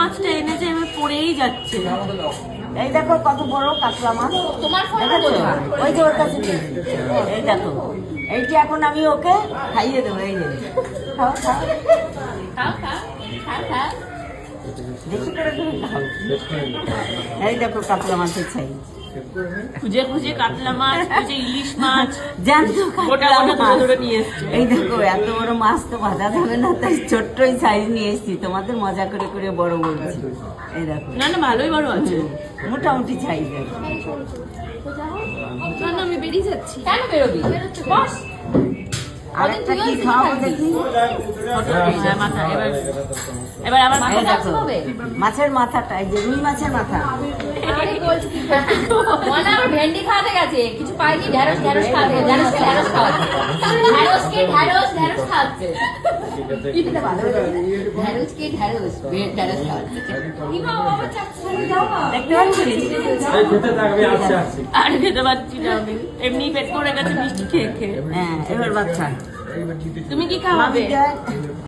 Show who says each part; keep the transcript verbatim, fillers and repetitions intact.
Speaker 1: মাছটা এনেছে এবার পড়েই যাচ্ছে।
Speaker 2: এই দেখো কত বড় কাতলা মাছ,
Speaker 3: তোমার ফোন
Speaker 2: দেখেছো? ওই যে ওর কাছে দিয়েছি। এই দেখো, এইটা এখন আমি ওকে খাইয়ে দেবো। এই যে খাও খাও,
Speaker 3: খাও খাও খাও খাও।
Speaker 2: বেশি করে তুমি খাও। এই দেখো কাতলা মাছের সাইজ,
Speaker 1: খুঁজে খুঁজে কাতলা মাছ, খুঁজে ইলিশ মাছ,
Speaker 2: জ্যান্ত
Speaker 1: গোটা
Speaker 2: কাতলা
Speaker 1: গোটা ধরে
Speaker 2: মাছ।
Speaker 1: ধরে নিয়ে এসছে।
Speaker 2: এই দেখো এত বড় মাছ তো ভাজা যাবে না, তাই ছোট্টই সাইজ নিয়ে এসেছি, তোমাদের মজা করে করে বড় বলছি। এই দেখো
Speaker 1: না না ভালোই বড় আছে।
Speaker 2: মোটামুটি সাইজ আছে।
Speaker 3: না না আমি বেরিয়ে যাচ্ছি। কেন বেরোবি? বস।
Speaker 2: আর একটা কি খাওয়াবো দেখি?
Speaker 1: হ্যাঁ, মাথা এবার এবার আবার
Speaker 2: এই
Speaker 3: মাথা
Speaker 2: দেখো
Speaker 3: হবে?
Speaker 2: মাছের মাথাটা, এই যে রুই মাছের মাথা।
Speaker 3: আরে বলছি কি? মনে আমার ভেন্ডি খাওয়াতে গেছে, কিছু পাইনি। ঢেঁড়স ঢেঁড়স খাওয়াতে, ঢেঁড়সকে ঢেঁড়স খাওয়াতে, ঢেঁড়সকে ঢেঁড়স ঢেঁড়স খাওয়াচ্ছে। এটা ভালো লাগে। ঢেঁড়সকে ঢেঁড়স বে- ঢেঁড়স খাওয়াচ্ছে। কি খাও বাবা, চাচ্ছি যাও না।
Speaker 2: দেখতে পাচ্ছি?
Speaker 1: আর খেতে পারছি না আমি, এমনি পেট করে গেছে মিষ্টি খেয়ে খেয়ে।
Speaker 2: হ্যাঁ এবার বাচ্চা
Speaker 1: তুমি কি খাওয়াবে?